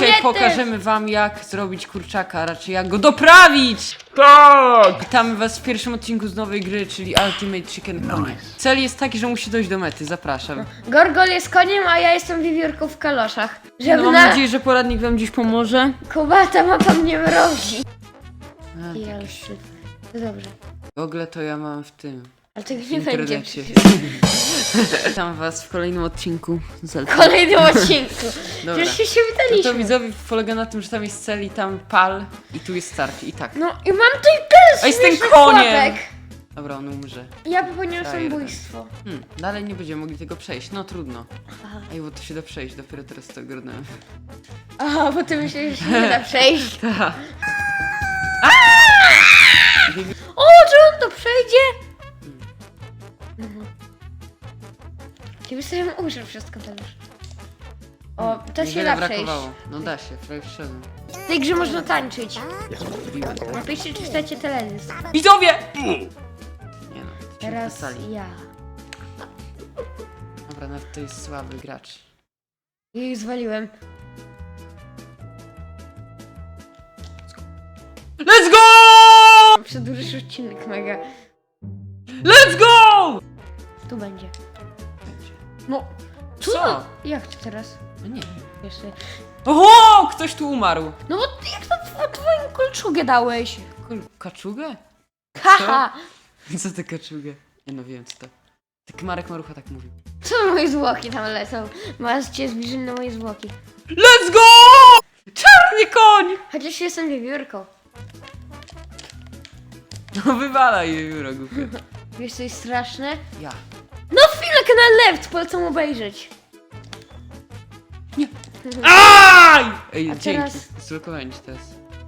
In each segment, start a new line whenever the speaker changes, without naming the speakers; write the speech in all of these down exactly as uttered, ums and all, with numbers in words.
Dzisiaj
mnie
pokażemy wam, jak zrobić kurczaka, a raczej jak go doprawić!
Tak!
Witamy was w pierwszym odcinku z nowej gry, czyli Ultimate Chicken Konie. Cel jest taki, że musi dojść do mety, zapraszam.
Gorgol jest koniem, a ja jestem wiewiórką w kaloszach. Żeby
No, mam
na...
nadzieję, że poradnik wam dziś pomoże.
Kubata mapa mnie mrozi.
A,
I
tak.
już... No dobrze.
Google to ja mam w tym.
Ale tego
W
nie będzie.
internecie. Witam was w kolejnym odcinku z
W
Ultimate.
kolejnym odcinku.
Dobra.
Przecież się, się
No to
witaliśmy.
widzowie polega na tym, że tam jest cel i tam pal i tu jest start i tak.
No i mam tutaj tyle
A jestem
śmiesznych
koniem!
pułapek.
Dobra, on umrze.
Ja popełniłam
Frajer.
samobójstwo.
Hmm, dalej nie będziemy mogli tego przejść, no trudno.
Aha.
Ej, bo to się da przejść, dopiero teraz to ogarnąłem.
Aha, bo ty myślisz, że się nie da przejść.
Ta.
O, czy on to przejdzie? Mhm. Ciebie sobie użył wszystko teraz. O, to się
Niewiele
da przejść.
brakowało. No da się, prawie wszedłem.
W tej grze można tańczyć.
Wbiłem.
Napiszcie, czy chcecie teledysk.
Widzowie! Nie no,
Teraz
sali.
ja.
Dobra, nawet to jest słaby gracz.
I już zwaliłem.
Let's go!
Przedłużysz odcinek mega.
Let's go!
Tu będzie.
Będzie.
No,
Co?
jak to teraz?
No nie.
Jeszcze.
Oho! Ktoś tu umarł.
No bo ty- jak to tw- twoją kolczugę dałeś?
Kul- Kaczugę?
Haha!
Co ty kaczugę? Nie no, wiem co to. Tak Marek Marucha tak mówił.
Co moje zwłoki tam lecą? Masz cię zbliżyć na moje zwłoki.
Let's go! Czarny koń!
Chociaż jestem wiewiórką.
No wywalaj jej biuro, głupie.
Wiesz co jest straszne?
Ja.
No chwilę, kanał left, polecam obejrzeć.
Aj! Ej,
A
dzięki.
teraz-
Zblokowałem cię teraz.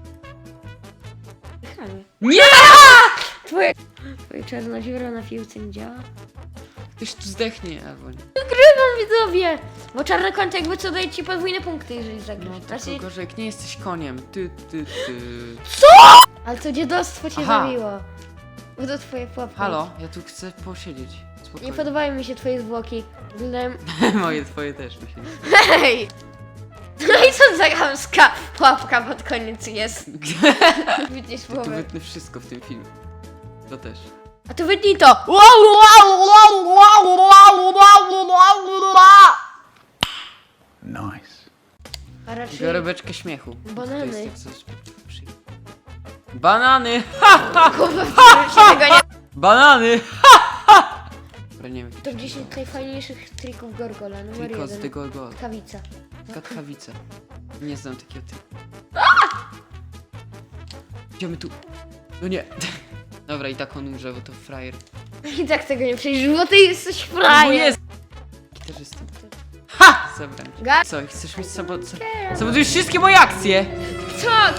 Nie!
Nie!
Twoje... Twoje czarna dziura na piłce nie działa?
Ktoś tu zdechnie, albo nie.
Wygrywam, widzowie! Bo czarny koń to jakby co daje ci podwójne punkty, jeżeli zagrasz.
No
Znaczy...
tylko gorzej, jak nie jesteś koniem. Ty, ty, ty.
Ale to dziadostwo cię
Aha.
zabiło. Bo to twoje pułapki.
Halo, ja tu chcę posiedzieć.
Nie
Spokojnie.
podobają mi się twoje zwłoki. Wyglądają...
Moje, twoje też mi się nie
Hej! No i co za chamska pułapka pod koniec jest? Widzisz
Tu
słowo.
wytnę wszystko w tym filmie. To też.
A tu wytnij to!
Nice.
A raczej...
Biorę beczkę śmiechu.
Banany.
To jest jak coś przy... Banany! Ha, ha!
Kurwa, się tego nie...
Banany! Ha, ha! Dobra, nie wiem.
To gdzieś z najfajniejszych trików Gorgola, numer
Tylko z
jeden.
tego go.
Kawica.
Katchawice. Nie znam takiego typu. Idziemy tu. No nie. Dobra, i tak on umrze, bo to frajer.
I tak tego nie przejdziesz, bo ty jesteś
Bo
frajer.
jest! Gitarzystą. Ha! Zabrałem cię.
Ga-
Co, chcesz mieć sabot... Sabotujesz wszystkie moje akcje!
Tak!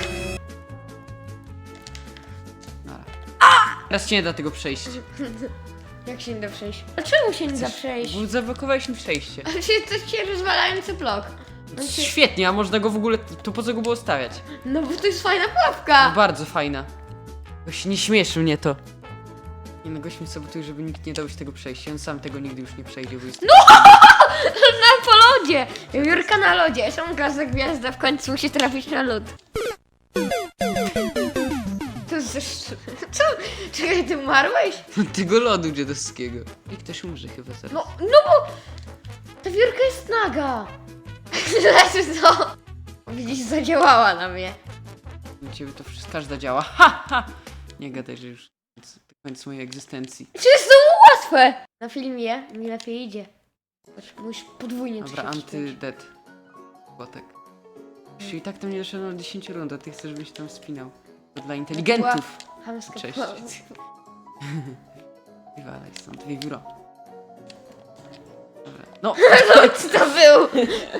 Nara. Teraz ci nie da tego przejść.
Jak się nie da przejść? A czemu się nie da przejść?
Bo zablokowałeś mi przejście.
Ale czy to się rozwalający blok? On się...
Świetnie, a można go w ogóle... To po co go było stawiać?
No bo to jest fajna
No,
pułapka!
bardzo fajna. Goś nie śmieszy mnie to. Nie no, gość mi sabotuje, żeby nikt nie dał się tego przejść. On sam tego nigdy już nie przejdzie, bo jest...
No! Na po lodzie! Jurka na lodzie, są gwiazda gwiazda, w końcu musi trafić na lód. To jest... Co? Czekaj, ty umarłeś?
Tego lodu dziadowskiego. I ktoś umrze chyba zaraz.
No, no bo... Ta wiórka jest naga! Znaczy co? Widzisz, zadziałała na mnie.
U ciebie to wszystko, każda działa. Ha, ha! Nie gadaj, że już koniec, koniec mojej egzystencji.
Czy jest to łatwe? Na filmie mi lepiej idzie. Patrz, musisz podwójnie to
Dobra,
się wcisnąć.
anty-dead. Łotek. Jeśli tak to nie doszedłem do dziesięć rund, a ty chcesz, żebyś tam spinał. To dla inteligentów.
Chamska
Cześć.
pułapka.
Wywalaj stąd, wiewióro. Dobra. No,
Co to był?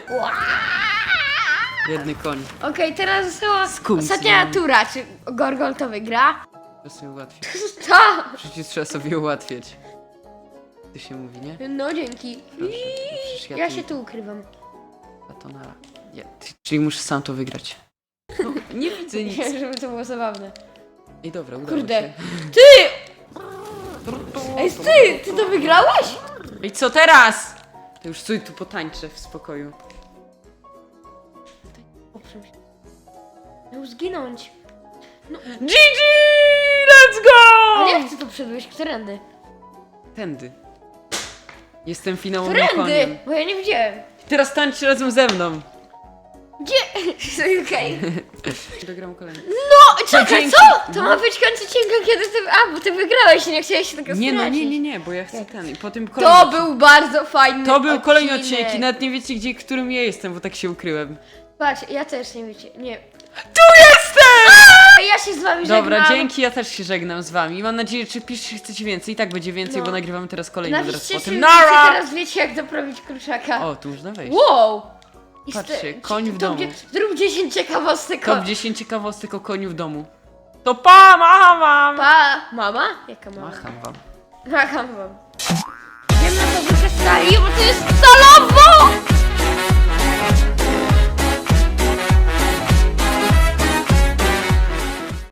biedny koń.
Okej, teraz została
Skum
ostatnia
synu.
tura. Czy Gorgol to wygra?
To sobie ułatwić.
To!
Przecież trzeba sobie ułatwiać. Ty się mówi, nie?
No dzięki.
Proszę. Przecież
Ja
tu-
się tu ukrywam.
Batonara. Ja, ty, czyli muszę sam to wygrać. No, nie widzę nic.
Żeby to było zabawne.
Ej, dobra, udało
Kurde.
się.
Ty! Ej, ty! Ty to wygrałeś?
Ej, co teraz? To już stój tu potańczę w spokoju.
czymś. Miał zginąć.
G G! Let's go!
A jak ty tu przybyłeś? Którędy?
Tędy. Jestem finałowym
Którędy?
koniem.
Bo ja nie widziałem.
Teraz tańcz razem ze mną.
Gdzie? Okej.
Dogram kolejny.
No, czekaj,
dzięki.
co? To ma być końcu odcinka, kiedy ty... A, bo ty wygrałeś i nie chciałeś się tego
Nie no,
stracić.
nie, nie, nie, bo ja chcę ten i potem kolejny
To
odcinek.
był bardzo fajny
To był kolejny
odcinek.
odcinek i nawet nie wiecie gdzie, którym ja jestem, bo tak się ukryłem.
Patrz, ja też nie wiecie, nie.
Tu jestem!
A ja się z wami
Dobra,
żegnam.
dzięki, ja też się żegnam z wami. Mam nadzieję, że piszcie, chcecie więcej. I tak będzie więcej,
No.
bo nagrywamy teraz kolejny zaraz
Napiszcie,
potem.
czy
Nara!
teraz wiecie, jak doprawić kurczaka.
O, tu można wejść.
Wow! I
Patrzcie,
ste-
koń w
to
domu.
gdzie- Zrób dziesięć ciekawostek.
Top dziesięć ciekawostek o koniu w domu. To pa, macham wam!
Pa! Mama? Jaka mama?
Macham wam.
Macham wam. Wiem na to, że strali, bo to jest solowo!